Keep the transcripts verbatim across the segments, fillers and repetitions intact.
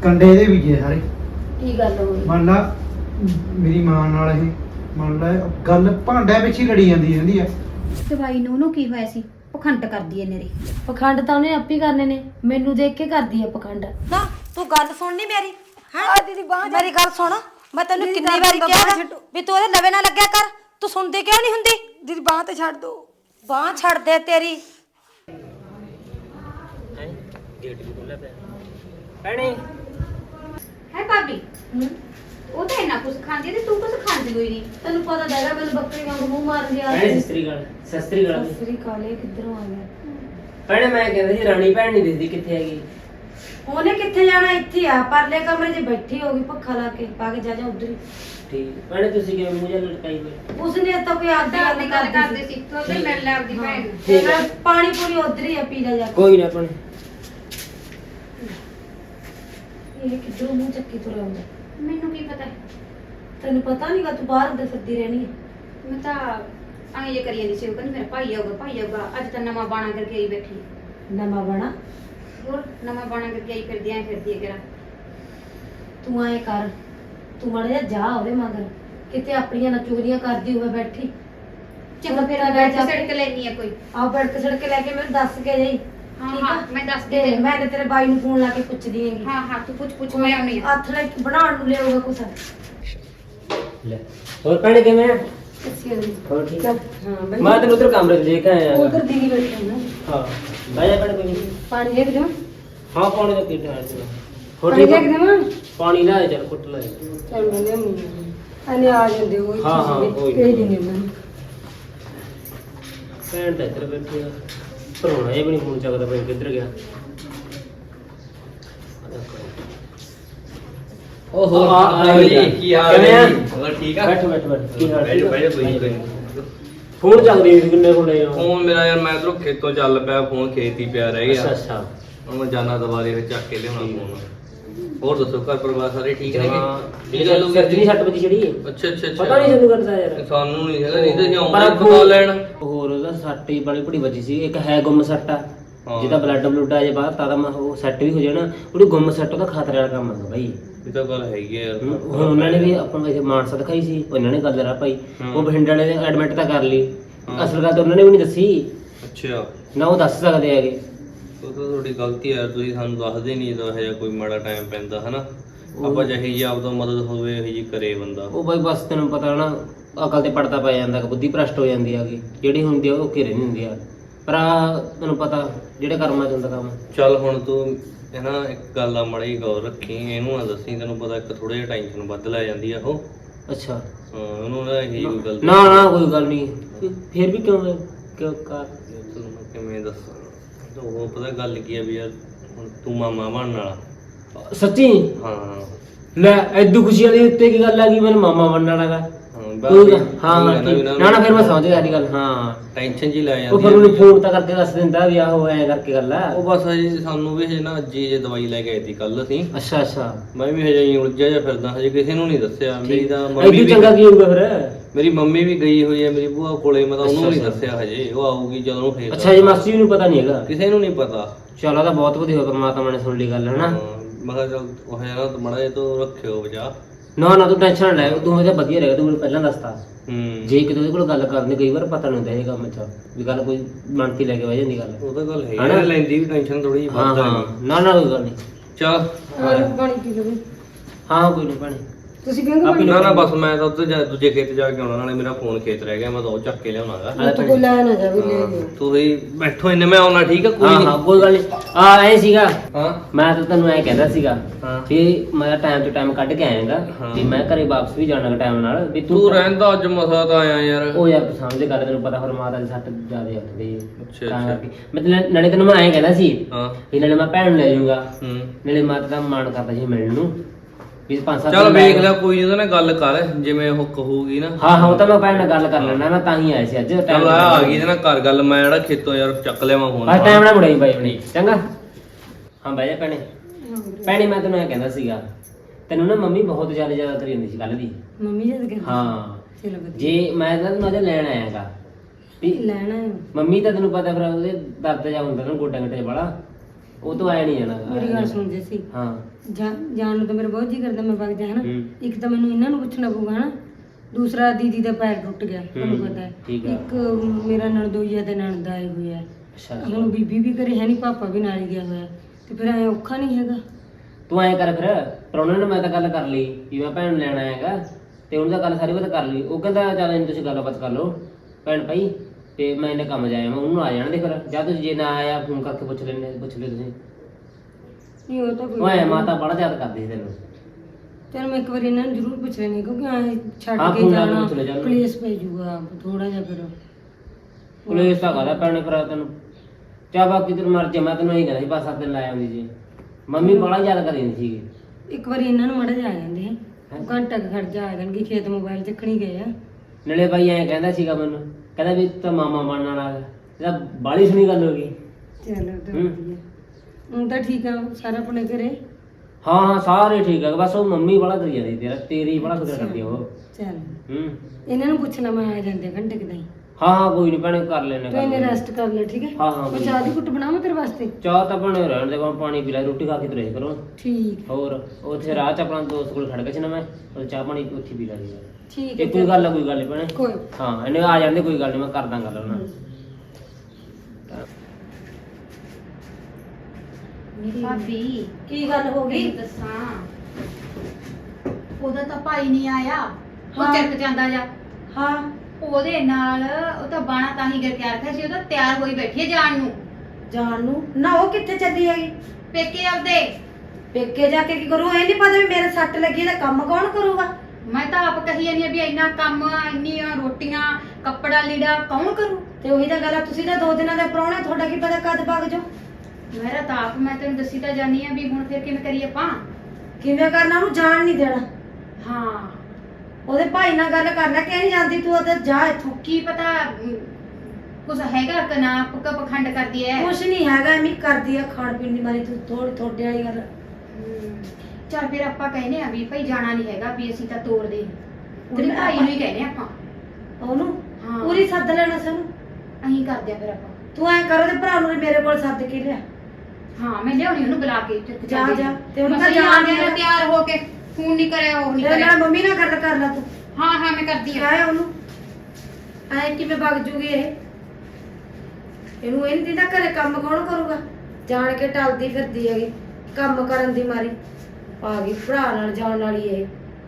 ਕੰਡੇ ਇਹਦੇ ਬੀਜੇ ਸਾਰੇ। ਕੀ ਗੱਲ ਹੋਈ? ਮੰਨ ਲਾ ਮੇਰੀ ਮਾਂ ਨਾਲ ਇਹ ਮੰਨ ਲਾ ਗੱਲ ਭਾਂਡਿਆਂ ਵਿੱਚ ਹੀ ਲੜੀ ਜਾਂਦੀ ਰਹਿੰਦੀ ਹੈ। ਦਵਾਈ ਨੂੰ ਉਹਨੂੰ ਕੀ ਹੋਇਆ ਸੀ? ਪਖੰਡ ਕਰਦੀ ਐ ਨੇਰੀ। ਪਖੰਡ ਤਾਂ ਉਹਨੇ ਆਪੇ ਕਰਨੇ ਨੇ, ਮੈਨੂੰ ਦੇਖ ਕੇ ਕਰਦੀ ਆ ਪਖੰਡ। ਨਾ ਤੂੰ ਗੱਲ ਸੁਣਨੀ ਮੇਰੀ ਹੈ? ਆ ਦੀਦੀ ਬਾਂਹ ਮੇਰੀ ਗੱਲ ਸੁਣ, ਮੈਂ ਤੈਨੂੰ ਦੀਦੀ ਕਿੰਨੀ ਗੱਲ ਵਾਰੀ ਤਾਂ ਕਿਹਾ ਬਾਂਹ ਵਾ ਛੱਡੋ। ਵੀ ਤੂੰ ਉਹਦੇ ਲਵੇ ਨਾ ਲੱਗਿਆ ਕਰ। ਤੂੰ ਸੁਣਦੀ ਕਿਉਂ ਨਹੀਂ ਹੁੰਦੀ? ਦੀਦੀ ਬਾਂਹ ਤੇ ਛੱਡ ਦੋ। ਬਾਂਹ ਛੱਡ ਦੇ ਤੇਰੀ। ਗੇਟ ਵੀ ਖੁੱਲ੍ਹਾ ਪਿਆ ਭੈਣੇ। ਹੈ ਭਾਬੀ, ਉਹ ਤਾਂ ਇੰਨਾ ਕੁਛ ਖਾਂਦੀ ਤੇ ਤੂੰ ਕੁਛ ਖਾਂਦੀ ਹੋਈ ਨਹੀਂ। ਤੈਨੂੰ ਪਤਾ ਤਾਂ ਹੈਗਾ ਮੈਨੂੰ ਬੱਕਰੀ ਵਾਂਗ ਮੂੰਹ ਮਾਰਦੀ ਆ। ਭੈਣੇ ਸਸਤਰੀ ਗੱਲ ਸਸਤਰੀ ਗੱਲ ਸਸਰੀ ਕਾਲੇ ਕਿੱਧਰੋਂ ਆ ਗਿਆ? ਭੈਣੇ ਮੈਂ ਕਹਿੰਦਾ ਸੀ ਰਾਣੀ ਭੈਣ ਨਹੀਂ ਦਿਸਦੀ, ਕਿੱਥੇ ਹੈਗੀ? ਉਹਨੇ ਕਿੱਥੇ ਜਾਣਾ? ਇੱਥੇ ਆ ਪਰਲੇ ਕਮਰੇ 'ਚ ਬੈਠੀ ਹੋਗੀ ਪੱਖਾ ਲਾ ਕੇ। ਪਾ ਕੇ ਜਾ ਜਾ ਉਧਰ ਹੀ। ਠੀਕ ਭੈਣੇ, ਤੁਸੀਂ ਕਿਵੇਂ ਮੂੰਹ ਜਿਹਾ ਲਟਕਾਈ ਹੋਈ? ਉਸਨੇ ਤਾਂ ਕੋਈ ਆਦੀ ਗੱਲ ਗੱਲ ਕਰਦੀ ਕਰਦੇ ਸੀ ਤੂੰ ਉਹਦੇ ਮਿਲ ਲੈ ਆਪਦੀ ਭੈਣ ਨੂੰ। ਤੇ ਮੈਂ ਪਾਣੀ ਪੂਰੀ ਉਧਰ ਹੀ ਆ, ਪੀ ਲੈ ਜਾ ਕੇ। ਕੋਈ ਨਾ ਭੈਣੇ। ਇਹ ਕਿੱਧਰੋਂ ਮੂੰਹ ਚੱਕੀ ਤੁਰਿਆ ਹੁੰਦਾ? ਮੈਨੂੰ ਕੀ ਪਤਾ? ਤੈਨੂੰ ਪਤਾ ਨਹੀਂਗਾ ਤੂੰ ਬਾਹਰ ਅੰਦਰ ਫਿਰਦੀ ਰਹਿਣੀ ਹੈ। ਮੈਂ ਤਾਂ ਐਂ ਜੇ ਕਰੀ ਜਾਂਦੀ ਸੀ। ਉਹ ਕਹਿੰਦੀ ਮੇਰਾ ਭਾਈ ਆਊਗਾ ਭਾਈ ਆਊਗਾ। ਅੱਜ ਤਾਂ ਨਵਾਂ ਬਾਣਾ ਕਰਕੇ ਆਈ ਬੈਠੀ। ਨਵਾਂ ਬਣਾ ਹੋਰ ਨਵਾਂ ਬਾਣਾ ਕਰਕੇ ਆਈ ਫਿਰਦੀ ਐ ਫਿਰਦੀ ਐ ਕਿਹੜਾ। ਤੂੰ ਆਏ ਕਰ, ਤੂੰ ਮੜ ਜਾ ਜਾ ਉਹਦੇ ਮਗਰ। ਕਿਤੇ ਆਪਣੀਆਂ ਨਾ ਚੋਰੀਆਂ ਕਰਦੀ ਹੋਵੇ ਬੈਠੀ। ਚੰਗਾ ਫਿਰ ਮੈਂ ਬੈਠ ਜਾ ਸੜਕ ਲੈਣੀ ਆ ਕੋਈ। ਆਹ ਬੈਠ ਸੜਕ ਲੈ ਕੇ ਮੈਨੂੰ ਦੱਸ ਕੇ ਜਾਈ। ਹਾਂ ਠੀਕ ਹਾਂ ਆ? ਮੈਂ ਦੱਸ ਤੇ ਦੇ। ਮੈਂ ਤੇ ਤੇਰੇ ਬਾਈ ਨੂੰ ਫੋਨ ਲਾ ਕੇ ਪੁੱਛਦੀ ਹੈਗੀ। ਹਾਂ ਹਾਂ ਤੂੰ ਪੁੱਛ ਪੁੱਛ ਮੈਂ ਆਉਣੀ ਆ। ਹੱਥ ਲੈ ਕੇ ਬਣਾਉਣ ਨੂੰ ਲਿਆਊਗਾ ਕੁਛ। ਲੈ ਹੋਰ ਭੈਣੇ ਕਿਵੇਂ ਆ? ਅੱਛੀ ਗੱਲ ਹੋਰ ਠੀਕ ਆ? ਹਾਂ ਬਈ ਮੈਂ ਤੈਨੂੰ ਉਧਰ ਕਮਰੇ 'ਚ ਲੈ ਕੇ ਆਇਆ ਉਧਰ ਦੀਦੀ ਬੈਠੀ ਨਾ। ਹਾਂ ਬਹਿ ਜਾ ਭੈਣੇ, ਕੋਈ ਨਹੀਂ। ਪਾਣੀ ਲੈ ਕੇ ਦੇਵਾਂ? ਹਾਂ ਪਾਣੀ ਦਾ ਕੀ ਠਹਿਰ ਤੂੰ। ਹੋਰ ਪਾਣੀ ਠੀਕ ਲੈ ਕੇ ਆ? ਦੇਵਾਂ? ਪਾਣੀ ਲੈ ਚੱਲ ਕੁੱਟ ਲੈ। ਚੱਲ ਮੈਂ ਲਿਆਉਂਦੀ ਹਾਂ। ਅਨੇ ਆ ਜਾਂਦੇ ਉਹ ਹਾਂ, ਹਾਂ, ਕੋਈ ਨੀ। ਭੇਜ ਦਿੰਦੀ ਉਹਨਾਂ ਨੂੰ। ਭੈਣ ਤਾਂ ਇੱਧਰ ਬੈਠੀ ਆ, ਭਰੋਣਾ ਇਹ ਵੀ ਨਹੀਂ ਫੋਨ ਚੱਕਦਾ ਭਾਈ, ਕਿੱਧਰ ਗਿਆ? ਓਹੋ ਆ ਆ ਜੀ ਕੀ ਹਾਲ ਕਿਵੇਂ ਹੈ ਆ? ਜੀ? ਹੋਰ ਠੀਕ ਆ? ਬੈਠ ਬੈਠ ਬੈਠ। ਕੀ ਹਾਲ? ਬੈਠੋ ਬੈਠੋ, ਕੋਈ ਨੀ, ਕੋਈ ਨੀ। ਫੋਨ ਚੱਕਦੀ ਸੀ ਕਿੰਨੇ ਕੋਲੇ ਆ? ਫੋਨ ਮੇਰਾ ਯਾਰ ਮੈਂ ਇਧਰੋਂ ਖੇਤੋਂ ਚੱਲ ਪਿਆ, ਫੋਨ ਖੇਤ ਹੀ ਪਿਆ ਰਹਿ ਅੱਛਾ ਗਿਆ। ਅੱਛਾ। ਹੁਣ ਮੈਂ ਜਾਣਾ ਦੁਬਾਰੇ ਫਿਰ ਚੱਕ ਕੇ ਲਿਆਉਣਾ ਫੋਨ। ਹੋਰ ਦੱਸੋ ਘਰ ਪਰਿਵਾਰ ਸਾਰੇ ਠੀਕ ਨੇ? ਜਮਾਂ ਕੀ ਗੱਲ ਹੋ ਸਰਜਰੀ ਗਈ? ਸੱਟ ਵੱਜੀ ਜਿਹੜੀ ਅੱਛਾ ਅੱਛਾ ਅੱਛਾ। ਪਤਾ ਨਹੀਂ ਸਾਨੂੰ ਕਰਦਾ ਯਾਰ। ਸਾਨੂੰ ਨਹੀਂ ਹੈਗਾ, ਨਹੀਂ ਤਾਂ ਅਸੀਂ ਪਰ ਆਉਂਦੇ ਪਤਾ ਲੈਣ। ਹੋਰ ਉਹਦਾ ਸੱਟ ਹੀ ਬੜੀ ਬੜੀ ਵੱਜੀ ਸੀ। ਇੱਕ ਹੈ ਗੁੰਮ ਸੱਟ ਆ, ਹਾਂ। ਜਿਹਦਾ ਬਲੱਡ ਬਲੂਡ ਆ ਜੇ ਬਾਹਰ ਤਾਂ ਤਾਂ ਉਹ ਸੈੱਟ ਵੀ ਹੋ ਜਾਣਾ। ਉਹਦੀ ਗੁੰਮ ਸੱਟ ਉਹਦਾ ਖਤਰੇ ਵਾਲਾ ਕੰਮ ਹੈਗਾ ਭਾਈ। ਇਹ ਤਾਂ ਗੱਲ ਹੈਗੀ ਆ ਯਾਰ। ਹੁਣ ਹੁਣ ਉਹਨਾਂ ਨੇ ਵੀ ਆਪਾਂ ਨੂੰ ਇੱਥੇ ਮਾਨਸਾ ਦਿਖਾਈ ਸੀ, ਉਹਨਾਂ ਨੇ ਗੱਲ ਰਾ ਭਾਈ। ਹਾਂ। ਉਹ ਬਠਿੰਡੇ ਵਾਲੇ ਨੇ ਐਡਮਿਟ ਤਾਂ ਕਰ ਲਈ। ਹਾਂ। ਅਸਲ ਗੱਲ ਤਾਂ ਉਹਨਾਂ ਨੇ ਵੀ ਨਹੀਂ ਦੱਸੀ ਅੱਛਾ, ਨਾ, ਉਹ ਦੱਸ ਸਕਦੇ ਹੈਗੇ। ਉਹ ਤਾਂ ਤੁਹਾਡੀ ਗਲਤੀ ਹੈ, ਤੁਸੀਂ ਸਾਨੂੰ ਦੱਸਦੇ ਨਹੀਂ ਜਦੋਂ ਇਹੋ ਜਿਹਾ ਕੋਈ ਮਾੜਾ ਟਾਈਮ ਪੈਂਦਾ ਹਨਾ। ਆਪਾਂ ਜਿਹੀ ਜੀ ਆਪ ਤੋਂ ਮਦਦ ਹੋਵੇ ਇਹੋ ਜੀ ਕਰੇ ਬੰਦਾ। ਉਹ ਬਾਈ ਬਸ ਤੈਨੂੰ ਪਤਾ ਨਾ, ਅਕਲ ਤੇ ਪੜਦਾ ਪੈ ਜਾਂਦਾ, ਬੁੱਧੀ ਭ੍ਰਸ਼ਟ ਹੋ ਜਾਂਦੀ ਹੈਗੀ। ਜਿਹੜੀ ਹੁੰਦੀ ਆ ਉਹ ਘੇਰੇ ਨਹੀਂ ਹੁੰਦੀ ਆ। ਪਰ ਆਹ ਤੈਨੂੰ ਪਤਾ ਜਿਹੜੇ ਕਰਮਾਂ 'ਚ ਹੁੰਦਾ ਕੰਮ। ਚੱਲ ਹੁਣ ਤੂੰ ਇਹ ਨਾ ਇੱਕ ਗੱਲ ਦਾ ਮਾੜੀ ਜਿਹੀ ਗੌਰ ਰੱਖੀ, ਇਹਨੂੰ ਨਾ ਦੱਸੀ। ਤੈਨੂੰ ਪਤਾ ਇੱਕ ਥੋੜਾ ਜਿਹਾ ਟੈਨਸ਼ਨ ਵੱਧ ਲੈ ਜਾਂਦੀ ਆ ਉਹ। ਅੱਛਾ। ਹਾਂ, ਉਹਨੂੰ ਨਾ ਇਹੀ ਕੋਈ ਗੱਲ ਨਾ ਨਾ ਕੋਈ ਗੱਲ ਨਹੀਂ। ਫਿਰ ਵੀ ਕਿਉਂ ਕਿਉਂ ਕਰ ਤੈਨੂੰ ਮੈਂ ਕਿਵੇਂ ਦੱਸਾਂ। ਉਹ ਪਤਾ ਗੱਲ ਕੀ ਆ ਵੀ ਯਾਰ, ਹੁਣ ਤੂੰ ਮਾਮਾ ਬਣਨ ਵਾਲਾ। ਸੱਚੀ? ਹਾਂ ਲੈ ਐਦੂ ਖੁਸ਼ੀ ਵਾਲੀ ਉੱਤੇ ਕੀ ਗੱਲ ਆ ਗਈ? ਮੈਨੂੰ ਮਾਮਾ ਬਣਨ ਵਾਲਾ ਗਾ। ਹਾਂ ਕੋਈ ਗੱਲ- ਹਾਂ ਹਾਂ ਠੀਕ। ਨਾ ਨਾ ਫਿਰ ਮੈਂ ਸਮਝ ਗਿਆ ਦੀ ਗੱਲ। ਹਾਂ ਟੈਨਸ਼ਨ ਜੀ ਲੈ ਉਹ ਜਾਂਦੀ ਫਿਰ ਆ ਉਹਨੂੰ ਵੀ ਫੋਨ ਤਾਂ ਕਰਕੇ ਦੱਸ ਦਿੰਦਾ ਵੀ ਆਹੋ ਐ ਕਰਕੇ ਗੱਲ ਆ। ਉਹ ਬਸ ਹਜੇ ਸਾਨੂੰ ਵੀ ਹਜੇ ਨਾ ਅੱਜ ਜੇ ਦਵਾਈ ਲੈ ਕੇ ਆਈ ਸੀ ਕੱਲ ਅਸੀਂ। ਅੱਛਾ ਅੱਛਾ। ਮੈਂ ਵੀ ਹਜੇ ਹੀ ਉਲਝਿਆ ਜਿਹਾ ਫਿਰਦਾ, ਹਜੇ ਕਿਸੇ ਨੂੰ ਨਹੀਂ ਦੱਸਿਆ। ਮੇਰੀ ਤਾਂ ਮੰਮੀ ਐਦੂ ਵੀ ਚੰਗਾ ਕੀ ਹੋਊਗਾ ਫਿਰ? ਮੇਰੀ ਮੰਮੀ ਵੀ ਗਈ ਹੋਈ ਹੈ ਮੇਰੀ ਭੂਆ ਕੋਲੇ, ਮੈਂ ਤਾਂ ਉਹਨੂੰ ਅੱਛਾ, ਨਹੀਂ ਅੱਛਾ। ਦੱਸਿਆ ਹਜੇ। ਉਹ ਆਊਗੀ ਜਦੋਂ ਉਹਨੂੰ ਫੇਰ ਅੱਛਾ ਜੀ, ਮਾਸੀ ਨੂੰ ਪਤਾ ਨਹੀਂ ਹੈਗਾ? ਕਿਸੇ ਨੂੰ ਨਹੀਂ ਪਤਾ। ਚਲੋ ਤਾਂ ਬਹੁਤ ਵਧੀਆ ਹੋਇਆ, ਪਰਮਾਤਮਾ ਨੇ ਸੁਣ ਲਈ ਗੱਲ ਹੈ ਨਾ। ਹਾਂ, ਮੈਂ ਕਿਹਾ ਚੱਲ ਉਹ ਹੈ ਨਾ ਮੜਾ ਜੇ ਤੋਂ ਰੱਖਿਓ ਬਚਾ। ਨਾ ਨਾ ਤੂੰ ਟੈਨਸ਼ਨ ਨਾ ਲੈ, ਤੂੰ ਇਹਦਾ ਵਧੀਆ ਰਹੇਗਾ। ਤੂੰ ਮੈਨੂੰ ਪਹਿਲਾਂ ਦੱਸਤਾ। ਹੂੰ, ਜੇ ਕਿਤੇ ਉਹਦੇ ਕੋਲ ਗੱਲ ਕਰਨੀ, ਕਈ ਵਾਰ ਪਤਾ ਨਹੀਂ ਹੁੰਦਾ ਇਹ ਕੰਮ 'ਚ ਵੀ ਗੱਲ ਕੋਈ ਮਨਤੀ ਲੈ ਕੇ ਬਹਿ ਜਾਂਦੀ ਗੱਲ। ਉਹ ਤਾਂ ਗੱਲ ਹੈ ਹਨਾ? ਲੈਂਦੀ ਵੀ ਟੈਨਸ਼ਨ ਥੋੜੀ ਜਿਹੀ ਹਾਂ ਵੱਧ ਹਾਂ, ਹੈ। ਨਾ ਨਾ ਕੋਈ ਗੱਲ ਨਹੀਂ। ਚੱਲ ਆਹ ਪਾਣੀ ਪੀ ਲਓ। ਹਾਂ ਕੋਈ ਨਹੀਂ ਭੈਣੇ। ਤੁਸੀਂ ਪੀਓਗੇ ਆਪੀ ਪਾਣੀ? ਨਾ ਨਾ ਬਸ ਮੈਂ ਤਾਂ ਉੱਧਰ ਜਾ ਦੂਜੇ ਖੇਤ ਜਾ ਕੇ ਆਉਣਾ, ਨਾਲੇ ਮੇਰਾ ਫੋਨ ਖੇਤ ਰਹਿ ਗਿਆ, ਮੈਂ ਤਾਂ ਉਹ ਚੱਕ ਕੇ ਲਿਆਉਣਾਗਾ। ਤੂੰ ਕੋਈ ਲੈ ਨਾ ਜਾਵੇ, ਲੈ ਜਾਓ। ਤੁਸੀਂ ਬੈਠੋ ਇੰਨੇ, ਮੈਂ ਆਉਣਾ ਠੀਕ ਆ? ਕੋਈ ਹਾਂ ਨਹੀਂ। ਹਾਂ ਕੋਈ ਗੱਲ ਨਹੀਂ। ਆ ਐ ਸੀਗਾ, ਹਾਂ ਮੈਂ ਤਾਂ ਤੈਨੂੰ ਐ ਕਹਿੰਦਾ ਸੀਗਾ ਹਾਂ। ਵੀ ਮੈਂ ਟਾਈਮ ਤੋਂ ਟਾਈਮ ਕੱਢ ਕੇ ਆਇਆਗਾ ਹਾਂ। ਵੀ ਮੈਂ ਘਰੇ ਵਾਪਸ ਵੀ ਜਾਣਾ ਟਾਈਮ ਨਾਲ ਵੀ ਤੂੰ ਰਹਿੰਦਾ ਅੱਜ ਮਸਾ ਤਾਂ ਆਇਆ ਯਾਰ। ਉਹ ਯਾਰ ਸਮਝ ਗੱਲ, ਤੈਨੂੰ ਪਤਾ ਫਿਰ ਮਾਤਾ ਦੀ ਸੱਟ ਜ਼ਿਆਦਾ ਉੱਠ ਗਈ। ਅੱਛਾ, ਤਾਂ ਅੱਛਾ। ਕਰਕੇ ਮੈਂ ਤੈਨੂੰ- ਨਾਲੇ ਤੈਨੂੰ ਮੈਂ ਐਂ ਕਹਿੰਦਾ ਸੀ ਹਾਂ ਵੀ ਨਾਲੇ ਮੈਂ ਭੈਣ ਨੂੰ ਲੈ ਜਾਊਂਗਾ, ਹੂੰ, ਨਾਲੇ ਮਾਤਾ ਦਾ ਮਨ ਕਰਦਾ ਸੀ ਮਿਲਣ ਨੂੰ ਵੀ ਪੰਜ ਸੱਤ ਚੱਲ ਦਿਨ ਵੇਖ ਲੈ- ਲੈ, ਕੋਈ ਉਹਦੇ ਨਾਲ ਗੱਲ ਕਰ ਜਿਵੇਂ ਉਹ ਕਹੂਗੀ ਨਾ। ਹਾਂ ਹਾਂ ਉਹ ਤਾਂ ਮੈਂ ਭੈਣ ਨਾਲ ਗੱਲ ਕਰ ਲੈਣਾ, ਮੈਂ ਤਾਂ ਹੀ ਆਇਆ ਸੀ ਅੱਜ ਚੱਲ time ਆ ਆ ਨਾਲ। ਗਈ ਇਹਦੇ ਨਾਲ ਕਰ ਗੱਲ, ਮੈਂ ਜਿਹੜਾ ਖੇਤੋਂ ਯਾਰ ਚੱਕ ਲਿਆਵਾਂ ਫੋਨ। ਬਸ ਟਾਈਮ ਨਾਲ ਮੁੜਾਈ ਬਾਈ ਬਣੀ ਚੰਗਾ। ਹਾਂ ਬਹਿ ਜਾ ਭੈਣੇ। ਭੈਣੇ ਮੈਂ ਤੈਨੂੰ ਐਂ ਕਹਿੰਦਾ ਸੀਗਾ, ਤੈਨੂੰ ਨਾ ਮੰਮੀ ਬਹੁਤ ਜ਼ਿਆਦਾ ਜ਼ਿਆਦਾ ਕਰੀ ਜਾਂਦੀ ਸੀ ਕੱਲ ਦੀ। ਮੰਮੀ ਜਦ ਕਹਿੰਦੀ ਹਾਂ ਚਲੋ ਵਧੀਆ। ਜੇ ਮੈਂ ਤਾਂ ਤੈਨੂੰ ਅੱਜ ਲੈਣ ਆਇਆਗਾ ਵੀ ਲੈਣਾ ਹੈ। ਮੰਮੀ ਤਾਂ ਤੈਨੂੰ ਪਤਾ ਫਿਰ ਉਹਦੇ ਦਰਦ ਜਾ ਹੁੰਦਾ ਨਾ ਗੋਡਿਆਂ ਗੱਟੇ ਵਾਲਾ, ਉਹ ਤੋਂ ਆਇਆ ਨਹੀਂ ਜਾਣਾ ਮੇਰੀ ਗੱਲ ਸੁਣ ਜੇ ਸੀ ਹਾਂ ਜਾ- ਜਾਣ ਨੂੰ ਤਾਂ ਮੇਰਾ ਬਹੁਤ ਜੀ ਕਰਦਾ ਮੈਂ ਵਗ ਜਾ ਹਨਾ ਹੂੰ। ਇੱਕ ਤਾਂ ਮੈਨੂੰ ਇਹਨਾਂ ਨੂੰ ਪੁੱਛਣਾ ਪਊਗਾ ਹਨਾ ਦੂਸਰਾ ਦੀਦੀ ਦਾ ਪੈਰ ਟੁੱਟ ਗਿਆ ਤੁਹਾਨੂੰ ਹੂੰ, ਪਤਾ ਹੈ ਠੀਕ ਹੈ। ਇੱਕ ਮੇਰਾ ਨਣਦੋਈਆ ਤੇ ਨਣਦ ਆਏ ਹੋਏ ਆ ਅੱਛਾ ਹੁਣ ਬੀਬੀ ਵੀ ਘਰੇ ਹੈ ਨਹੀਂ ਪਾਪਾ ਵੀ ਨਾਲ ਹੀ ਗਿਆ ਹੋਇਆ ਤੇ ਫਿਰ ਐ ਔਖਾ ਨਹੀਂ ਹੈਗਾ ਤੂੰ ਐਂ ਕਰ ਫਿਰ ਪ੍ਰਾਹੁਣੇ ਨਾਲ ਮੈਂ ਤਾਂ ਗੱਲ ਕਰ ਲਈ ਵੀ ਮੈਂ ਭੈਣ ਨੂੰ ਲੈਣ ਆਇਆਗਾ ਤੇ ਉਹਨਾਂ ਦਾ ਗੱਲ ਸਾਰੀ ਬਾਤ ਕਰ ਲਈ ਉਹ ਕਹਿੰਦਾ ਚੱਲ ਇਹਨੂੰ ਤੁਸੀਂ ਗੱਲਬਾਤ ਕਰ ਲਓ ਭੈਣ ਭਾਈ ਤੇ ਮੈਂ ਇਹਨੇ ਕੰਮ ਜਾਇਆ ਮੈਂ ਉਹਨੂੰ ਆ ਜਾਣ ਦੇ ਫਿਰ ਜਾਂ ਤੁਸੀਂ ਜੇ ਨਾ ਆਇਆ ਫੋਨ ਕਰਕੇ ਪੁੱਛ ਲੈਣੇ ਪੁੱਛ ਲਿਓ ਤੁਸੀਂ ਨਹੀਂ ਉਹ ਤਾਂ ਕੋਈ ਉਹ ਐ ਮਾਤਾ ਬੜਾ ਯਾਦ ਕਰਦੀ ਸੀ ਤੈਨੂੰ ਚਲ ਮੈਂ ਇੱਕ ਵਾਰੀ ਇਹਨਾਂ ਨੂੰ ਜ਼ਰੂਰ ਪੁੱਛ ਲੈਣੀ ਕਿਉਂਕਿ ਐ ਛੱਡ ਹਾਂ, ਕੇ ਫੋਨ ਲਾ ਕੇ ਜਾਣਾ ਪੁੱਛ ਲੈ ਜਾਣਾ। ਪਲੇਸ ਪੈ ਜੂਗਾ ਥੋੜਾ ਜਿਹਾ ਫਿਰ ਪੁਲਿਸ ਤਾਂ ਕਹਦਾ ਭੈਣੇ ਫਿਰ ਤੈਨੂੰ ਚਾ ਬਾਕੀ ਤੇਰੀ ਮਰਜ਼ੀ ਮੈਂ ਤੈਨੂੰ ਇਹੀ ਕਹਿੰਦਾ ਸੀ ਬਸ ਸੱਤ ਦਿਨ ਲਾਇਆ ਹੁੰਦੀ ਜੀ ਮੰਮੀ ਬੜਾ ਯਾਦ ਕਰੀ ਜਾਂਦੀ ਸੀਗੀ ਇੱਕ ਵਾਰੀ ਇਹਨਾਂ ਨੂੰ ਮੜਾ ਜਾ ਆ ਜਾਂਦੇ ਹੈ ਉਹ ਘੰਟਾ ਕੁ ਖੜ ਜਾ ਆ ਜਾਣਗੇ ਖੇਤ ਮੋਬਾਈਲ ਚੱਕਣੀ ਗਏ ਆ ਨਲੇ ਬਾਈ ਐਂ ਕਹਿੰਦਾ ਸੀਗਾ ਮੈਨੂੰ ਕਹਿੰਦਾ ਵੀ ਤਾਂ ਮਾਮਾ ਬਣਨ ਵਾਲਾ ਇਹਦਾ ਬਾਲੀ ਸੁਣੀ ਗੱਲ ਹੋ ਗਈ ਚਲੋ ਤਾਂ ਹੂੰ। ਵਧੀਆ ਹੁਣ ਤਾਂ ਠੀਕ ਆ ਸਾਰਾ ਆਪਣੇ ਘਰੇ ਹਾਂ ਹਾਂ ਸਾਰੇ ਠੀਕ ਆ ਬਸ ਉਹ ਮੰਮੀ ਬੜਾ ਕਰੀ ਜਾਂਦੀ ਤੇਰਾ ਤੇਰੀ ਬੜਾ ਫਿਕਰ ਕਰਦੀ ਆ ਉਹ ਚੱਲ ਹੂੰ ਇਹਨਾਂ ਨੂੰ ਪੁੱਛਣਾ ਮੈਂ ਆ ਜਾਂਦੇ ਘੰਟੇ ਕਿਦਾਂ ਹਾਂ ਹਾਂ ਕੋਈ ਨਹੀਂ ਭੈਣੇ ਕਰ ਲੈਣੇ ਤੂੰ ਇਹਨੇ ਰੈਸਟ ਕਰ ਲੈ ਠੀਕ ਹੈ ਹਾਂ, ਹਾਂ, ਮੈਂ ਚਾਹ ਦੀ ਕੁੱਟ ਬਣਾਵਾਂ ਤੇਰੇ ਵਾਸਤੇ ਚਾਹ ਤਾਂ ਬਣੇ ਰਹਿਣ ਦੇ ਪਾਣੀ ਪੀ ਲੈ ਰੋਟੀ ਖਾ ਕੇ ਤੁਰੇ ਕਰੋ ਠੀਕ ਹੋਰ ਉੱਥੇ ਰਾਹ ਚ ਆਪਣਾ ਦੋਸਤ ਕੋਲ ਖੜ ਗਿਆ ਸੀ ਨਾ ਮੈਂ ਉਹ ਚਾਹ ਪਾਣੀ ਉੱਥੇ ਪੀ ਲਈ ਠੀਕ ਇਹ ਹੈ ਕੋਈ ਗੱਲ ਆ ਕੋਈ ਗੱਲ ਨਹੀਂ ਭੈਣੇ ਕੋਈ ਹਾਂ ਇਹਨੇ ਆ ਜਾਂਦੇ ਕੋਈ ਗੱਲ ਨਹੀਂ ਮੈਂ ਕਰਦਾ ਗੱਲ ਉਹਨਾਂ ਨਾਲ ਮੇਰੀ ਭਾਬੀ ਕੀ ਗੱਲ ਹੋ ਗਈ ਤੈਨੂੰ ਦੱਸਾਂ ਉਹਦਾ ਤਾਂ ਭਾਈ ਨਹੀਂ ਆਇਆ ਉਹ ਹਾਂ। ਚੱਕ ਜਾਂਦਾ ਜਾ ਹਾਂ ਉਹਦੇ ਨਾਲ ਉਹ ਤਾਂ ਬਾਣਾ ਤਾਂ ਹੀ ਕਰਕੇ ਰੱਖਿਆ ਸੀ ਉਹ ਤਾਂ ਤਿਆਰ ਹੋਈ ਬੈਠੀ ਹੈ ਜਾਣ ਨੂੰ ਜਾਣ ਨੂੰ ਨਾ ਉਹ ਕਿੱਥੇ ਚੱਲੀ ਹੈਗੀ ਪੇਕੇ ਆਪਦੇ ਪੇਕੇ ਜਾ ਕੇ ਕੀ ਕਰੂ ਇਹ ਨਹੀਂ ਪਤਾ ਵੀ ਮੇਰੇ ਸੱਟ ਲੱਗੀ ਇਹਦਾ ਕੰਮ ਕੌਣ ਕਰੂਗਾ ਮੈਂ ਤਾਂ ਆਪ ਕਹੀ ਜਾਂਦੀ ਹਾਂ ਵੀ ਇੰਨਾ ਕੰਮ ਇੰਨੀਆਂ ਰੋਟੀਆਂ ਕੱਪੜਾ ਲੀੜਾ ਕੌਣ ਕਰੂ ਤੇ ਉਹੀ ਤਾਂ ਗੱਲ ਆ ਤੁਸੀਂ ਤਾਂ ਦੋ ਦਿਨਾਂ ਦੇ ਪ੍ਰਾਹੁਣੇ ਤੁਹਾਡਾ ਕੀ ਪਤਾ ਕਦ ਵਗ ਜਾਓ ਮੇਰਾ ਤਾਂ ਆਪ ਮੈਂ ਤੈਨੂੰ ਦੱਸੀ ਤਾਂ ਜਾਨੀ ਆ ਵੀ ਹੁਣ ਫਿਰ ਕਿਵੇਂ ਕਰੀਏ ਆਪਾਂ ਕਿਵੇਂ ਕਰਨਾ ਉਹਨੂੰ ਜਾਣ ਨਹੀਂ ਦੇਣਾ ਹਾਂ ਉਹਦੇ ਭਾਈ ਨਾਲ ਗੱਲ ਕਰ ਲੈ ਕਿ ਨਹੀਂ ਜਾਂਦੀ ਤੂੰ ਉਹਦੇ ਜਾ ਇੱਥੋਂ ਕੀ ਪਤਾ ਕੁਝ ਹੈਗਾ ਕਿ ਨਾ ਪੱਕਾ ਪਖੰਡ ਕਰਦੀ ਐ ਕੁਛ ਨਹੀਂ ਹੈਗਾ ਐਵੇਂ ਹੀ ਕਰਦੀ ਆ ਖਾਣ ਪੀਣ ਦੀ ਮਾਰੀ ਤੂੰ ਥੋੜੀ ਥੋੜੇ ਵਾਲੀ ਗੱਲ ਹਮ, ਚੱਲ ਫਿਰ ਆਪਾਂ ਕਹਿੰਦੇ ਆ ਵੀ ਭਾਈ ਜਾਣਾ ਨਹੀਂ ਹੈਗਾ ਵੀ ਅਸੀਂ ਤਾਂ ਤੋੜ ਦੇ ਉਹਦੇ ਤੇ ਭਾਈ ਆਪਾਂ- ਨੂੰ ਹੀ ਕਹਿੰਦੇ ਆਪਾਂ ਉਹਨੂੰ ਹਾਂ। ਪੂਰੀ ਸੱਦ ਲੈਣਾ ਸਾਨੂੰ ਅਹੀਂ ਕਰਦੇ ਆ ਫਿਰ ਆਪਾਂ ਤੂੰ ਐ ਕਰ ਉਹਦੇ ਭਰਾ ਨੂੰ ਵੀ ਮੇਰੇ ਕੋਲ ਸੱਦ ਕੇ ਲਿਆ ਹਾਂ ਮੈਂ ਲਿਆਉਣੀ ਉਹਨੂੰ ਬੁਲਾ ਕੇ ਚੱਕ ਜਾ, ਚੱਲਦੇ ਜਾ। ਹਾਂ। ਤੇ ਉਹਨੂੰ ਮਸਾਂ ਤਾਂ ਹੀ ਆ ਜਾਣ ਗਿਆ ਦੇਣਾ। ਤਿਆਰ ਹੋ ਕੇ ਫੋਨ ਨਹੀਂ ਕਰਿਆ ਉਹ ਨਹੀਂ ਤੇਰੇ ਕਰਿਆ ਨਾਲ ਮੰਮੀ ਨਾਲ ਗੱਲ ਕਰ ਲੈ ਤੂੰ ਹਾਂ ਹਾਂ ਮੈਂ ਕਰਦੀ ਆ ਕਿਹਾ ਉਹਨੂੰ ਐ ਕਿਵੇਂ ਵਗ ਜੂਗੀ ਇਹ ਇਹਨੂੰ ਇਹ ਨਹੀਂ ਦਿੰਦਾ ਘਰੇ ਕੰਮ ਕੌਣ ਕਰੂਗਾ ਜਾਣ ਕੇ ਟਲਦੀ ਫਿਰਦੀ ਹੈਗੀ ਕੰਮ ਕਰਨ ਦੀ ਮਾਰੀ ਆ ਗਈ ਭਰਾ ਨਾਲ ਜਾਣ ਵਾਲੀ ਇਹ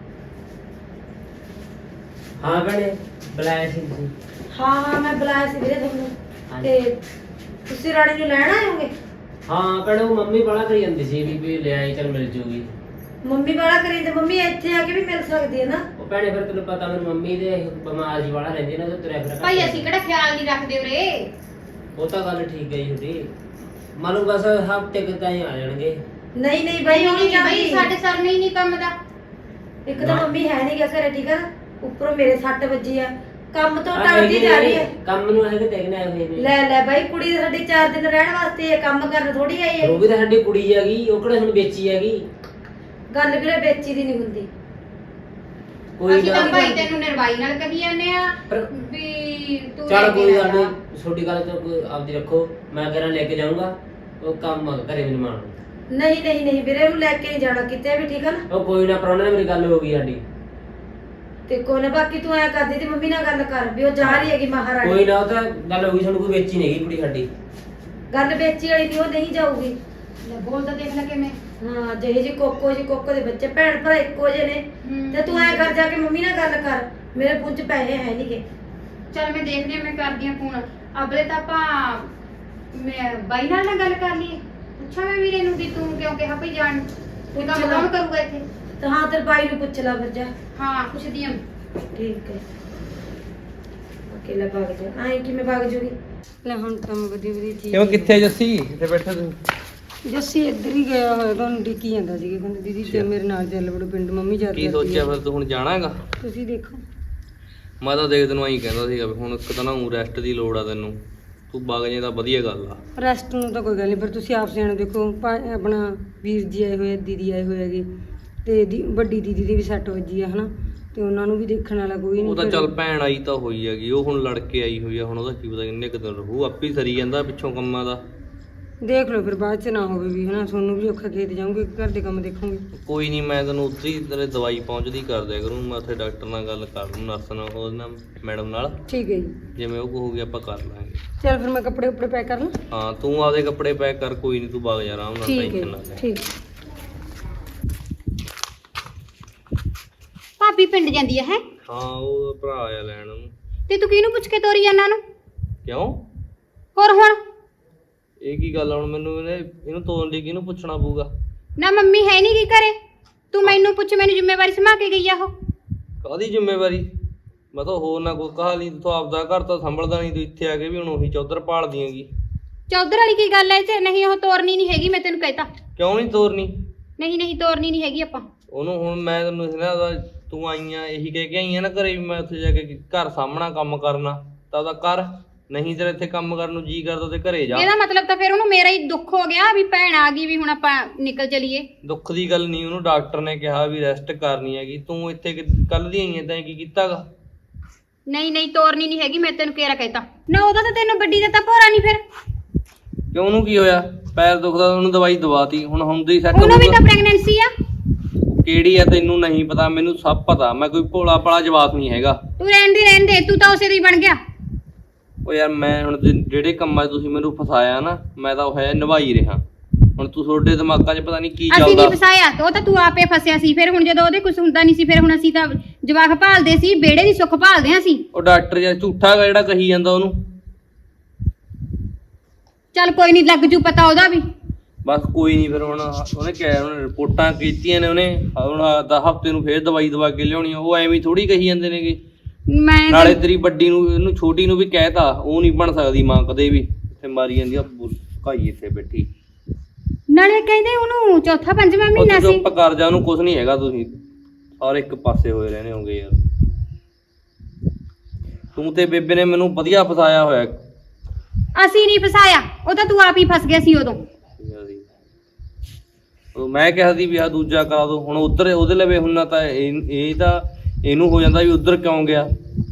ਹਾਂ ਭੈਣੇ ਬੁਲਾਇਆ ਸੀ ਤੁਸੀਂ ਹਾਂ ਹਾਂ ਮੈਂ ਬੁਲਾਇਆ ਸੀ ਵੀਰੇ ਤੁਹਾਨੂੰ ਹਾਂਜੀ। ਤੇ ਤੁਸੀਂ ਰਾਣੀ ਨੂੰ ਲੈਣ ਆਏ ਹੋਗੇ ਹਾਂ ਭੈਣੇ ਉਹ ਮੰਮੀ ਬੜਾ ਕਰੀ ਜਾਂਦੀ ਸੀ ਵੀ ਵੀ ਲੈ ਆਈ ਚੱਲ ਮਿਲ ਜੂਗੀ ਮੰਮੀ ਵਾਲਾ ਕਰੀ ਤੇ ਮੰਮੀ ਇੱਥੇ ਆ ਕੇ ਵੀ ਮਿਲ ਸਕਦੀ ਹੈ ਨਾ ਉਹ ਭੈਣੇ ਫਿਰ ਤੈਨੂੰ ਪਤਾ ਮੇਰੀ ਮੰਮੀ ਦੇ ਬਿਮਾਰ ਜੀ ਵਾਲਾ ਰਹਿੰਦੀ ਨਾ ਤੇ ਤੁਰਿਆ ਫਿਰ ਭਾਈ ਅਸੀਂ ਕਿਹੜਾ ਖਿਆਲ ਨਹੀਂ ਰੱਖਦੇ ਉਰੇ ਉਹ ਤਾਂ ਗੱਲ ਠੀਕ ਹੈ ਜੀ ਤੁਹਾਡੀ ਮੰਨ ਲਓ ਬਸ ਹਫ਼ਤੇ ਕੁ ਤਾਈਂ ਆ ਜਾਣਗੇ ਨਹੀਂ ਨਹੀਂ ਬਾਈ ਉਹ ਨਹੀਂ ਨਹੀਂ ਭਾਈ ਜਾਂਦੀ ਸਾਡੇ ਸਰ ਨਹੀਂ ਨਹੀਂ ਕੰਮ ਦਾ ਇੱਕ ਤਾਂ ਮੰਮੀ ਹੈ ਨਹੀਂ ਗਾ ਘਰੇ ਠੀਕ ਆ ਨਾ ਉੱਪਰੋਂ ਮੇਰੇ ਸੱਟ ਵੱਜੀ ਆ ਕੰਮ ਤੋਂ ਆਹ ਟਲਦੀ ਹੈਗੇ ਜਾ ਰਹੀ ਹੈ ਕੰਮ ਨੂੰ ਹੈਗੇ ਦੇਖਣਾ ਆਏ ਹੋਏ ਨੇ ਲੈ ਲੈ ਬਾਈ ਕੁੜੀ ਤਾਂ ਸਾਡੀ ਚਾਰ ਦਿਨ ਰਹਿਣ ਵਾਸਤੇ ਇਹ ਕੰਮ ਕਰਨ ਥੋੜੀ ਆਈ ਹੈ ਉਹ ਵੀ ਤਾਂ ਸਾਡੀ ਕੁੜੀ ਹੈਗੀ ਉਹ ਕਿਹੜਾ ਹੁਣ ਵੇਚੀ ਹੈਗੀ ਗੱਲ ਵੀਰੇ ਵੇਚੀ ਦੀ ਨਹੀਂ ਹੁੰਦੀ ਕੋਈ ਅਸੀਂ ਤਾਂ ਗੱਲ ਭਾਈ ਨੀ। ਤੈਨੂੰ ਨਿਰਵਾਈ ਨਾਲ ਕਹੀ ਜਾਂਦੇ ਆ ਪਰ- ਵੀ ਤੂੰ ਚੱਲ ਲੈ ਕੇ ਕੋਈ ਨਾ ਗੱਲ ਜਾ। ਨਹੀਂ ਛੋਟੀ ਗੱਲ ਤਾਂ ਕੋਈ ਆਪਦੀ ਰੱਖੋ ਮੈਂ ਕਿਹੜਾ ਲੈ ਕੇ ਜਾਊਂਗਾ ਉਹ ਕੰਮ ਘਰੇ ਮੈਨੂੰ ਮਾਣ ਨਹੀਂ ਨਹੀਂ ਨਹੀਂ ਵੀਰੇ ਉਹਨੂੰ ਲੈ ਕੇ ਨਹੀਂ ਜਾਣਾ ਕਿਤੇ ਵੀ ਠੀਕ ਆ ਨਾ ਉਹ ਕੋਈ ਨਾ ਪ੍ਰਾਹੁਣੇ ਨਾਲ ਮੇਰੀ ਗੱਲ ਹੋ ਗਈ ਸਾਡੀ ਤੇ ਕੋਈ ਨਾ ਬਾਕੀ ਤੂੰ ਐ ਕਰਦੀ ਤੇ ਮੰਮੀ ਨਾਲ ਗੱਲ ਕਰ ਵੀ ਉਹ ਜਾ ਰਹੀ ਹੈਗੀ ਮਹਾਰਾਣੀ ਕੋਈ ਨਾ ਉਹ ਤਾਂ ਗੱਲ ਹੋ ਗਈ ਸਾਨੂੰ ਕੋਈ ਵੇਚੀ ਨਹੀਂ ਹੈਗੀ ਕੁੜੀ ਸਾਡੀ ਗੱਲ ਵੇਚੀ ਵਾਲੀ ਦੀ ਉਹ ਨਹੀਂ ਜਾਊਗੀ ਲੈ ਬੋਲ ਤਾਂ ਦੇਖ ਲੈ ਕਿਵੇਂ ਹਾਂ ਜਿਹੇ ਜੀ ਕੋਕੋ ਜੀ ਕੋਕੋ ਦੇ ਬੱਚੇ ਭੈਣ ਭਰਾ ਇੱਕੋ ਜਿਹੇ ਨੇ ਹਮ। ਤੇ ਤੂੰ ਐ ਕਰ ਜਾ ਕੇ ਮੰਮੀ ਨਾਲ ਗੱਲ ਕਰ ਮੇਰੇ ਫੋਨ 'ਚ ਪੈਸੇ ਹੈ ਨਹੀਂਗੇ ਚੱਲ ਮੈਂ ਦੇਖਦੀ ਹਾਂ ਮੈਂ ਕਰਦੀ ਹਾਂ ਫੋਨ ਅਬਲੇ ਤਾਂ ਆਪਾਂ ਮੈਂ ਬਾਈ ਨਾਲ ਨਾ ਗੱਲ ਕਰ ਲਈਏ ਪੁੱਛਾਂ ਮੈਂ ਵੀਰੇ ਨੂੰ ਵੀ ਤੂੰ ਕਿਉਂ ਕਿਹਾ ਭਈ ਜਾਣ ਤੂੰ ਕੰਮ ਪੁੱਛ ਲਾ। ਕੌਣ ਕਰੂਗਾ ਇੱਥੇ ਤੇ ਹਾਂ ਤੇਰੇ ਬਾਈ ਨੂੰ ਪੁੱਛ ਲੈ ਫਿਰ ਜਾ ਹਾਂ ਪੁੱਛਦੀ ਹਾਂ ਠੀਕ ਹੈ ਅਕੇਲਾ ਭਾਗ ਜਾ ਆਏ ਕਿਵੇਂ ਭਾਗ ਜੂਗੀ ਲੈ ਹੁਣ ਕੰਮ ਵਧੀ ਵਧੀ ਠੀਕ ਕਿਉਂ ਕਿੱਥੇ ਜੱਸੀ ਇੱਥੇ ਬੈਠਾ ਤੂੰ ਜੱਸੀ ਇੱਧਰ ਹੀ ਗਿਆ ਹੋਇਆ ਤੁਹਾਨੂੰ ਡਿੱਕੀ ਜਾਂਦਾ ਸੀ ਕਹਿੰਦਾ ਦੀਦੀ ਤੇ ਮੇਰੇ ਨਾਲ ਚੱਲ ਵੜੋ ਪਿੰਡ ਮੰਮੀ ਜਾ ਕੀ ਸੋਚਿਆ ਫਿਰ ਤੂੰ ਹੁਣ ਜਾਣਾ ਹੈਗਾ ਤੁਸੀਂ ਦੇਖੋ ਮੈਂ ਤਾਂ ਦੇਖ ਤੈਨੂੰ ਆਈ ਕਹਿੰਦਾ ਸੀਗਾ ਵੀ ਹੁਣ ਇੱਕ ਤਾਂ ਨਾ ਰੈਸਟ ਦੀ ਲੋੜ ਆ ਤੈਨੂੰ ਤੂੰ ਵਗ ਜੇ ਤਾਂ ਵਧੀਆ ਗੱਲ ਆ ਰੈਸਟ ਨੂੰ ਤਾਂ ਕੋਈ ਗੱਲ ਨਹੀਂ ਪਰ ਤੁਸੀਂ ਆਪ ਸਿਆਣੇ ਦੇਖੋ ਭਾ- ਆਪਣਾ ਵੀਰ ਜੀ ਆਏ ਹੋਏ ਆ, ਦੀਦੀ ਆਏ ਹੋਏ ਹੈਗੇ ਤੇ ਦੀ- ਵੱਡੀ ਦੀਦੀ ਦੀ ਵੀ ਸੱਟ ਵੱਜੀ ਆ ਹਨਾ ਤੇ ਉਹਨਾਂ ਨੂੰ ਵੀ ਦੇਖਣ ਵਾਲਾ ਕੋਈ ਨਹੀਂ ਉਹ ਤਾਂ ਚੱਲ ਭੈਣ ਆਈ ਤਾਂ ਹੋਈ ਹੈਗੀ ਉਹ ਹੁਣ ਲੜ ਕੇ ਆਈ ਹੋਈ ਆ ਹੁਣ ਉਹਦਾ ਕੀ ਪਤਾ ਕਿੰਨੇ ਕੁ ਦਿਨ ਰਹੂ ਆਪੇ ਹੀ ਸਰੀ ਜਾਂਦਾ ਪਿੱਛੋਂ ਕੰਮਾਂ ਦਾ ਦੇਖ ਲਓ ਫਿਰ ਬਾਅਦ ਚ ਨਾ ਹੋਵੇ ਵੀ ਹਨਾ ਤੁਹਾਨੂੰ ਵੀ ਔਖਾ ਖੇਤ ਜਾਊਂਗੇ ਘਰ ਦੇ ਕੰਮ ਦੇਖੋਗੇ। ਕੋਈ ਨਹੀਂ, ਮੈਂ ਤੈਨੂੰ ਉੱਧਰ ਹੀ ਤੇਰੇ ਦਵਾਈ ਪਹੁੰਚਦੀ ਕਰ ਦਿਆ ਕਰੂੰ। ਮੈਂ ਉੱਥੇ ਡਾਕਟਰ ਨਾਲ ਗੱਲ ਕਰ ਲੂੰ, ਨਰਸ ਨਾਲ, ਉਹਦੇ ਨਾਲ, ਮੈਡਮ ਨਾਲ। ਠੀਕ ਹੈ ਜੀ। ਜਿਵੇਂ ਉਹ ਕਹੂਗੀ ਆਪਾਂ ਕਰ ਲਾਂਗੇ। ਚਲ ਫਿਰ ਮੈਂ ਕੱਪੜੇ ਉੱਪੜੇ ਪੈਕ ਕਰ ਲਾਂ। ਹਾਂ ਤੂੰ ਆਪਦੇ ਕੱਪੜੇ ਪੈਕ ਕਰ, ਕੋਈ ਨਹੀਂ, ਤੂੰ ਵਗ ਜਾ ਆਰਾਮ ਨਾਲ, ਠੀਕ ਟੈਨਸ਼ਨ ਨਾ ਹੈ ਲੈ। ਠੀਕ। ਭਾਬੀ ਪਿੰਡ ਜਾਂਦੀ ਆ ਹੈ ਹਾਂ ਉਹ ਭਰਾ ਆਇਆ ਲੈਣ ਉਹਨੂੰ। ਤੇ ਤੂੰ ਕਿਹਨੂੰ ਪੁੱਛ ਕੇ ਤੋਰੀ ਜਾਂਦਾ ਨੂੰ? ਕਿਉਂ? ਹੋਰ ਹੁਣ ਇਹ ਕੀ ਗੱਲ ਆ? ਹੁਣ ਮੈਨੂੰ ਇਹਨੇ ਇਹਨੂੰ ਤੋਰਨ ਲਈ ਕਿਹਨੂੰ ਪੁੱਛਣਾ ਪਊਗਾ? ਨਾ ਮੰਮੀ ਹੈ ਨਹੀਂ ਕੀ ਕਰੇ, ਤੂੰ ਮੈਨੂੰ ਪੁੱਛ, ਮੈਨੂੰ ਜ਼ਿੰਮੇਵਾਰੀ ਸਮਾ ਕੇ ਗਈ ਆ ਉਹ। ਕਾਹਦੀ ਜ਼ਿੰਮੇਵਾਰੀ? ਮੈਂ ਤਾਂ ਹੋਰ ਨਾ ਕੋਈ ਕਹਾ ਨਹੀਂ, ਤੂੰ ਆਪਦਾ ਘਰ ਤਾਂ ਸੰਭਲਦਾ ਨਹੀਂ, ਤੂੰ ਇੱਥੇ ਆ ਕੇ ਵੀ ਹੁਣ ਉਹੀ ਚੌਧਰ ਪਾਲਦੀ ਹੈਗੀ। ਚੌਧਰ ਵਾਲੀ ਕੀ ਗੱਲ ਐ ਚ? ਨਹੀਂ ਉਹ ਤੋਰਨੀ ਨਹੀਂ ਹੈਗੀ, ਮੈਂ ਤੈਨੂੰ ਕਹਿਤਾ। ਕਿਉਂ ਨਹੀਂ ਤੋਰਨੀ? ਨਹੀਂ ਨਹੀਂ ਤੋਰਨੀ ਨਹੀਂ ਹੈਗੀ ਆਪਾਂ। ਉਹਨੂੰ ਹੁਣ ਮੈਂ ਤੈਨੂੰ ਨਾ ਉਹਦਾ- ਤੂੰ ਆਈਆਂ ਇਹੀ ਕਹਿ ਕੇ ਆਈਆਂ ਨਾ ਘਰੇ ਵੀ ਮੈਂ ਉੱਥੇ ਜਾ ਕੇ ਘਰ ਸਾਹਮਣਾ ਕੰਮ ਕਰਨਾ, ਤਾਂ ਉਹਦਾ ਕਰ। ਨਹੀਂ ਤੇਰਾ ਇੱਥੇ ਕੰਮ ਕਰਨ ਨੂੰ ਜੀ ਕਰਦਾ ਤੇ ਘਰੇ ਜਾ। ਇਹਦਾ ਮਤਲਬ ਤਾਂ ਫਿਰ ਉਹਨੂੰ ਮੇਰਾ ਹੀ ਦੁੱਖ ਹੋ ਗਿਆ ਵੀ ਭੈਣ ਆ ਗਈ, ਵੀ ਹੁਣ ਆਪਾਂ ਨਿਕਲ ਚਲੀਏ। ਦੁੱਖ ਦੀ ਗੱਲ ਨਹੀਂ, ਉਹਨੂੰ ਡਾਕਟਰ ਨੇ ਕਿਹਾ ਵੀ ਰੈਸਟ ਕਰਨੀ ਹੈਗੀ। ਤੂੰ ਇੱਥੇ ਕੱਲ ਦੀ ਆਈ ਐ, ਤੈਂ ਕੀ ਕੀਤਾਗਾ? ਨਹੀਂ ਨਹੀਂ ਤੋਰਨੀ ਨਹੀਂ ਹੈਗੀ, ਮੈਂ ਤੈਨੂੰ ਕਿਹੜਾ ਕਹਿਤਾ ਨਾ। ਉਹਦਾ ਤਾਂ ਤੈਨੂੰ ਵੱਡੀ ਦਾ ਤਾਂ ਭੋਰਾ ਨਹੀਂ ਫਿਰ। ਕਿਉਂ, ਉਹਨੂੰ ਕੀ ਹੋਇਆ? ਪੈਰ ਦੁਖਦਾ, ਉਹਨੂੰ ਦਵਾਈ ਦਵਾਤੀ, ਹੁਣ ਹੁੰਦੀ ਸੈੱਟ। ਉਹਨੂੰ ਵੀ ਤਾਂ ਪ੍ਰੈਗਨੈਂਸੀ ਆ। ਕਿਹੜੀ ਆ ਤੈਨੂੰ ਨਹੀਂ ਪਤਾ, ਮੈਨੂੰ ਸਭ ਪਤਾ। ਮੈਂ ਕੋਈ ਭੋਲਾ ਭਾਲਾ ਜਵਾਕ ਨਹੀਂ ਹੈਗਾ। ਤੂੰ ਰਹਿਣ ਦੀ ਰਹਿਣ ਦੇ, ਤੂੰ ਤਾਂ ਉਸੇ ਦੀ ਬਣ ਗਿਆ। ਉਹ ਯਾਰ ਮੈਂ ਹੁਣ ਜਿ- ਜਿਹੜੇ ਕੰਮਾਂ 'ਚ ਤੁਸੀਂ ਮੈਨੂੰ ਫਸਾਇਆ ਨਾ, ਮੈਂ ਤਾਂ ਉਹ ਹੈ ਨਿਭਾਈ ਰਿਹਾ। ਹੁਣ ਤੂੰ ਤੁਹਾਡੇ ਦਿਮਾਗਾਂ 'ਚ ਪਤਾ ਨਹੀਂ ਕੀ ਅਸੀਂ ਚੱਲਦਾ। ਨਹੀਂ ਫਸਾਇਆ, ਉਹ ਤਾਂ ਤੂੰ ਆਪੇ ਫਸਿਆ ਸੀ। ਫਿਰ ਹੁਣ ਜਦੋਂ ਉਹਦੇ ਕੁਝ ਹੁੰਦਾ ਨਹੀਂ ਸੀ, ਫਿਰ ਹੁਣ ਅਸੀਂ ਤਾਂ ਜਵਾਕ ਭਾਲਦੇ ਸੀ, ਬੇੜੇ ਦੀ ਸੁੱਖ ਭਾਲਦੇ ਹਾਂ ਅਸੀਂ। ਉਹ ਡਾਕਟਰ ਯਾਰ ਝੂਠਾ ਗਾ ਜਿਹੜਾ ਕਹੀ ਜਾਂਦਾ ਉਹਨੂੰ। ਚੱਲ ਕੋਈ ਨਹੀਂ, ਲੱਗ ਜੂ ਪਤਾ ਉਹਦਾ ਵੀ। ਬਸ ਕੋਈ ਨਹੀਂ, ਫਿਰ ਹੁਣ ਉਹਨੇ ਕਿਹਾ, ਉਹਨੇ ਰਿਪੋਰਟਾਂ ਕੀਤੀਆਂ ਨੇ, ਉਹਨੇ ਹੁਣ ਦਾ ਹਫਤੇ ਨੂੰ ਫੇਰ ਦਵਾਈ ਦਵਾ ਕੇ ਲਿਆਉਣੀ ਆ। ਉਹ ਐਵੇਂ ਥੋੜੀ ਕਹੀ ਜਾਂਦੇ ਨੇਗੇ। ਮੈਂ ਨਾਲੇ ਤੇਰੀ ਵੱਡੀ ਨੂੰ, ਇਹਨੂੰ ਛੋਟੀ ਨੂੰ ਵੀ ਕਹਿਤਾ, ਉਹ ਨਹੀਂ ਬਣ ਸਕਦੀ ਮਾਂ ਕਦੇ ਵੀ। ਇੱਥੇ ਮਾਰੀ ਜਾਂਦੀ ਆ ਕਾਈ ਇੱਥੇ ਬੈਠੀ। ਨਾਲੇ ਕਹਿੰਦੇ ਉਹਨੂੰ ਚੌਥਾ ਪੰਜਵਾਂ ਉਹ ਮਹੀਨਾ ਤੂੰ ਸੀ। ਚੁੱਪ ਕਰ ਜਾ, ਉਹਨੂੰ ਕੁਝ ਨਹੀਂ ਹੈਗਾ। ਤੁਸੀਂ ਸਾਰੇ ਇੱਕ ਪਾਸੇ ਹੋਏ ਰਹਿੰਦੇ ਹੋਗੇ ਯਾਰ। ਤੂੰ ਤੇ ਬੇਬੇ ਨੇ ਮੈਨੂੰ ਵਧੀਆ ਫਸਾਇਆ ਹੋਇਆ। ਅਸੀਂ ਨਹੀਂ ਫਸਾਇਆ, ਉਹ ਤਾਂ ਤੂੰ ਆਪ ਹੀ ਫਸ ਗਿਆ ਸੀ ਉਦੋਂ। ਉਹ ਮੈਂ ਕਿਹਾ ਸੀ ਵੀ ਆ ਦੂਜਾ ਕਰਾ ਦੋ। ਹੁਣ ਉਧਰ ਉਹਦੇ ਲਵੇ ਹੁੰਨਾ ਤਾਂ ਇਹ ਇਹ ਤਾਂ ਇਹਨੂੰ ਹੋ ਜਾਂਦਾ ਵੀ ਉਧਰ ਕਿਉਂ ਗਿਆ।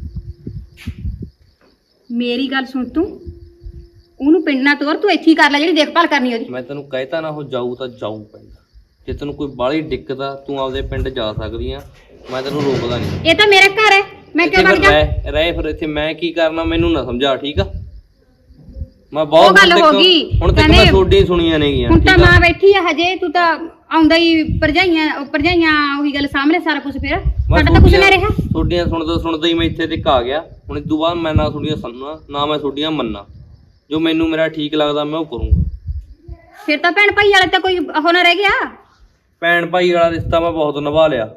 ਮੇਰੀ ਗੱਲ ਸੁਣ, ਤੂੰ ਉਹਨੂੰ ਪਿੰਡ ਨਾ ਤੋਰ, ਤੂੰ ਇੱਥੇ ਹੀ ਕਰ ਲੈ ਜਿਹੜੀ ਦੇਖਭਾਲ ਕਰਨੀ ਉਹਦੀ। ਮੈਂ ਤੈਨੂੰ ਕਹਿਤਾ ਨਾ, ਉਹ ਜਾਊ ਤਾਂ ਜਾਊ ਪਿੰਡ। ਜੇ ਤੈਨੂੰ ਕੋਈ ਬਾਹਲੀ ਦਿੱਕਤ ਆ, ਤੂੰ ਆਪਦੇ ਪਿੰਡ ਜਾ ਸਕਦੀ ਆ, ਮੈਂ ਤੈਨੂੰ ਰੋਕਦਾ ਨਹੀਂ। ਇਹ ਤਾਂ ਮੇਰਾ ਘਰ ਹੈ, ਮੈਂ ਕਿਉਂ ਵਗ ਜਾ? ਰਹਿ ਰਹਿ ਫਿਰ ਇੱਥੇ, ਮੈਂ ਕੀ ਕਰਨਾ ਮੈਨੂੰ ਨਾ ਸਮਝਾ, ਠੀਕ ਆ? ਮੈਂ ਉਹ ਬਹੁਤ ਗੱਲ ਹੁਣ ਹੋ ਤੱਕ- ਗਈ। ਹੁਣ ਤੱਕ ਮੈਂ ਕਹਿੰਦੇ- ਤੁਹਾਡੀ ਸੁਣੀਆਂ ਨੇਗੀਆਂ, ਹੁਣ ਤਾਂ ਠੀਕ ਆ? ਮਾਂ ਬੈਠੀ ਆ ਹਜੇ, ਤੂੰ ਤਾਂ ਆਉਂਦਾ ਹੀ ਭਰਜਾਈਆਂ ਭਰਜਾਈਆਂ ਉਹੀ ਗੱਲ ਸਾਹਮਣੇ ਸਾਰਾ ਕੁਝ। ਫਿਰ ਮੈਂ ਸਾਡਾ ਤਾਂ ਕੁਝ ਨਾ ਰਿਹਾ। ਤੁਹਾਡੀਆਂ ਸੁਣਦਾ ਸੁਣਦਾ ਹੀ ਮੈਂ ਇੱਥੇ ਤੱਕ ਆ ਗਿਆ। ਹੁਣ ਇਸ ਤੋਂ ਬਾਅਦ ਮੈਂ ਨਾ ਤੁਹਾਡੀਆਂ ਸੁਣਨਾ, ਨਾ ਮੈਂ ਤੁਹਾਡੀਆਂ ਮੰਨਾਂ। ਜੋ ਮੈਨੂੰ ਮੇਰਾ ਠੀਕ ਲੱਗਦਾ ਮੈਂ ਉਹ ਕਰੂੰਗਾ। ਫਿਰ ਤਾਂ ਭੈਣ ਭਾਈ ਵਾਲੇ ਤਾਂ ਕੋਈ ਉਹ ਨਾ ਰਹਿ ਗਿਆ। ਭੈਣ ਭਾਈ ਵਾਲਾ ਰਿਸ਼ਤਾ ਮੈਂ ਬਹੁਤ ਨਿਭਾ ਲਿਆ।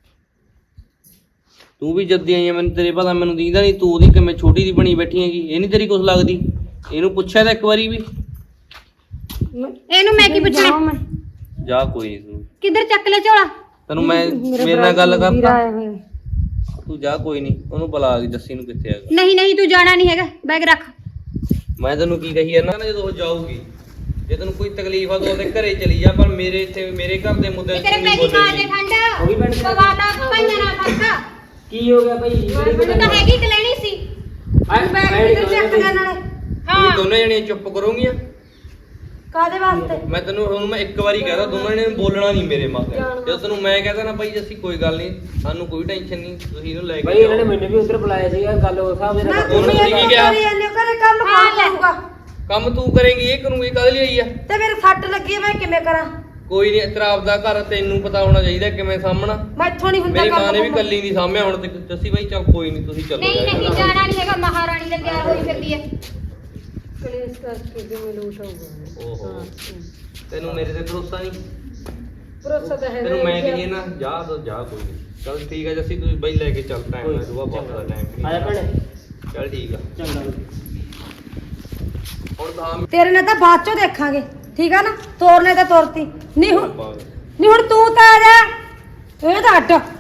ਤੂੰ ਵੀ ਜੱਦੀ ਆਈ ਆ, ਮੈਨੂੰ ਤੇਰੇ ਪਤਾ ਮੈਨੂੰ ਦੀਂਦਾ ਨਹੀਂ। ਤੂੰ ਉਹਦੀ ਕਿਵੇਂ ਛੋਟੀ ਦੀ ਬਣੀ ਬੈਠੀ ਹੈਗੀ, ਇਹ ਨਹੀਂ ਤੇਰੀ ਕੁਛ ਲੱਗਦੀ? ਇਹਨੂੰ ਪੁੱਛਿਆ ਤਾਂ ਇੱਕ ਵਾਰੀ ਵੀ? ਇਹਨੂੰ ਮੈਂ ਕੀ ਪੁੱਛਣਾ? ਜਾ ਕੋਈ ਨਹੀਂ, ਤੂੰ ਕਿੱਧਰ ਚੱਕ ਲੈ ਝੋਲਾ? ਤੈਨੂੰ ਮੈਂ ਮੇਰੇ ਨਾਲ ਗੱਲ ਵੀਰਾ ਕਰਦਾ। ਆਇਆ ਹੋਇਆ। ਤੂੰ ਜਾ ਕੋਈ ਨਹੀਂ, ਉਹਨੂੰ ਬੁਲਾ ਕੇ ਜੱਸੀ ਨੂੰ ਕਿੱਥੇ ਹੈਗਾ। ਨਹੀਂ ਨਹੀਂ ਤੂੰ ਜਾਣਾ ਨਹੀਂ ਹੈਗਾ, ਬੈਗ ਰੱਖ। ਮੈਂ ਤੈਨੂੰ ਕੀ ਕਹੀ ਜਾਂਦਾ ਨਾ, ਜਦੋਂ ਉਹ ਜਾਊਗੀ, ਜੇ ਤੈਨੂੰ ਕੋਈ ਤਕਲੀਫ ਆ ਤਾਂ ਉਹਦੇ ਘਰੇ ਚਲੀ ਜਾ, ਪਰ ਮੇਰੇ ਇੱਥੇ ਮੇਰੇ ਘਰ ਦੇ ਮੁੱਦੇ ਤੇਰੇ ਪੈਗੀ ਖਾ ਦੇ ਠੰਡ ਵੀ ਭੈਣ ਪਵਾਤਾ ਭਾਈਆਂ ਨਾਲ ਫਰਕਾ। ਕੀ ਹੋ ਗਿਆ ਭਾਈ? ਮੈਨੂੰ ਤਾਂ ਹੈਗੀ ਕਿ ਲੈਣੀ ਸੀ। ਬੈਗ ਕਿੱਧਰ ਚੱਕ ਲਿਆ ਨਾਲੇ? ਤੁਸੀਂ ਦੋਨੇ ਜਣੀਆਂ ਚੁੱਪ ਕਰੋਗੀਆਂ? ਕਾਦੇ ਵਾਸਤੇ? ਮੈਂ ਤੈਨੂੰ ਹੁਣ ਮੈਂ ਇੱਕ ਵਾਰੀ ਕਹਦਾ, ਦੋਨਾਂ ਨੇ ਬੋਲਣਾ ਨਹੀਂ ਮੇਰੇ ਮਾਤੇ। ਜਦੋਂ ਤੈਨੂੰ ਮੈਂ ਕਹਦਾ ਨਾ ਭਾਈ ਅਸੀਂ ਕੋਈ ਗੱਲ ਨਹੀਂ, ਸਾਨੂੰ ਕੋਈ ਟੈਨਸ਼ਨ ਨਹੀਂ, ਤੁਸੀਂ ਇਹਨੂੰ ਲੈ ਭਾਈ ਕੇ ਇਹਨਾਂ ਨੇ ਜਾਓ। ਮੈਨੂੰ ਵੀ ਉਧਰ ਬੁਲਾਇਆ ਸੀਗਾ, ਗੱਲ ਉਸ ਹਿਸਾਬ ਦੇ ਨਾ ਨਾਲ ਉਹਨੂੰ ਤੁਸੀਂ ਕੀ ਕਿਹਾ? ਕਰੀ ਜਾਂਦੇ ਹੋ, ਘਰੇ ਕੰਮ ਕੌਣ ਕਰੂਗਾ? ਕੰਮ ਤੂੰ ਕਰੇਂਗੀ, ਇਹ ਕਰੂੰਗੀ, ਕਾਹਦੇ ਲਈ ਆਈ ਆ? ਤੇ ਮੇਰੇ ਸੱਟ ਲੱਗੀ ਹੈ, ਮੈਂ ਕਿਵੇਂ ਕਰਾਂ? ਕੋਈ ਨਹੀਂ, ਤੇਰਾ ਆਪਦਾ ਘਰ ਤੈਨੂੰ ਪਤਾ ਹੋਣਾ ਚਾਹੀਦਾ ਕਿਵੇਂ ਸਾਹਮਣਾ। ਮੈਂ ਇੱਥੋਂ ਨਹੀਂ ਹੁੰਦਾ ਮੇਰੀ ਕੰਮ। ਮਾਂ ਨੇ ਵੀ ਕੱਲੀ ਨਹੀਂ ਸਾਂਭਿਆ। ਹੁਣ ਤੇ ਜੱਸੀ ਭਾਈ ਚੱਲ ਕੋਈ ਨਹੀਂ, ਤੁਸੀਂ ਚੱਲੋ। ਨਹੀਂ ਨਹੀਂ ਜਾਣਾ ਨਹੀਂ ਹੈਗਾ, ਮਹਾਰਾਣੀ ਦਾ ਤਿਆਰ ਹੋਈ ਫਿਰਦੀ ਹੈ। ਕਲੇਸ਼ ਕਰਕੇ ਜਿਵੇਂ ਲੋਟ ਹੋਊਗਾ। ਓਹੋ, ਤੈਨੂੰ ਮੇਰੇ ਤੇ ਭਰੋਸਾ ਨਹੀਂ? ਭਰੋਸਾ ਤਾਂ ਹੈ ਤੈਨੂੰ ਮੈਂ ਕਹੀਏ ਨਾ ਜਾ ਤਾਂ ਜਾ, ਕੋਈ ਨਹੀਂ। ਚੱਲ ਠੀਕ ਹੈ ਜੱਸੀ, ਤੁਸੀਂ ਬਈ ਲੈ ਕੇ ਚੱਲ, ਟਾਈਮ ਨਾਲ ਸੁਬਾਹ ਬਹੁਤ ਦਾ ਟਾਈਮ। ਆ ਜਾ ਭੈਣੇ, ਚੱਲ ਠੀਕ ਆ। ਚੰਗਾ। ਹੁਣ ਤਾਂ ਤੇਰੇ ਨਾਲ ਤਾਂ ਬਾਅਦ ਚੋਂ ਦੇਖਾਂਗੇ, ਠੀਕ ਆ ਨਾ? ਤੋਰਨੇ ਤਾਂ ਤੋਰਤੀ ਨਹੀਂ ਹੁਣ। ਬਾਅਦ ਨਹੀਂ ਹੁਣ ਤੂੰ ਤਾਂ ਆ ਜਾ, ਇਹ ਤਾਂ ਅੱਡ